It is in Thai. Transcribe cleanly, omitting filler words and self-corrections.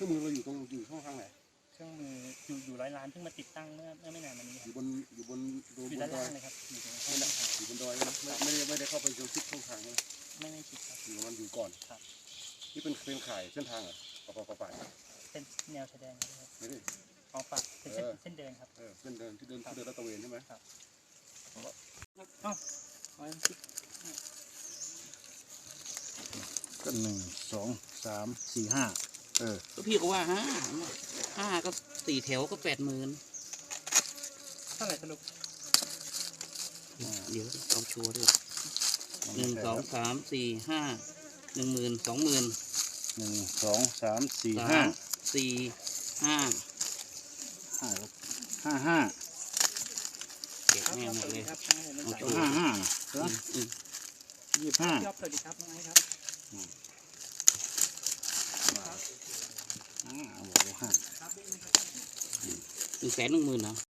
รื่องมือเราอยู่ช่องทางไหนเครื่องมืออยู่ร้อยล้านเพิ่งมาติดตั้งเมื่อไม่นานมานี้อยู่บนอยู่ดด้านอล่าย งเลยครับอยู่ตรงข้างทางอยู่บนดอยนะไม่ได้เข้าไปชิดช่องทางนะไม่ชิดครับอยู่มันอยู่ก่อนครับนี่เป็นข่ายเส้นทางเหรอป่าเป็นแนวชายแดนครับไม่ได้อ๋อปะเป็นเส้นเดินครับเส้นเดินที่เดินลาดตระเวนใช่ไหมครับอ๋อก็1 2 3 4 5 ก็พี่ก็ว่าห้าก็4 แถวก็80,000 เท่าไหร่สรุปเดี๋ยวเอาชัวร์ด้วย1 2 3 4 5 10,000 20,000 1 2 3 4 5 55 เก็บแม่หมดเลยครับเอาชัวร์ 55เหรอ25 ยอบสวัสดีครับน้องไอ้ครับบอกว่า5 110,000เหรอ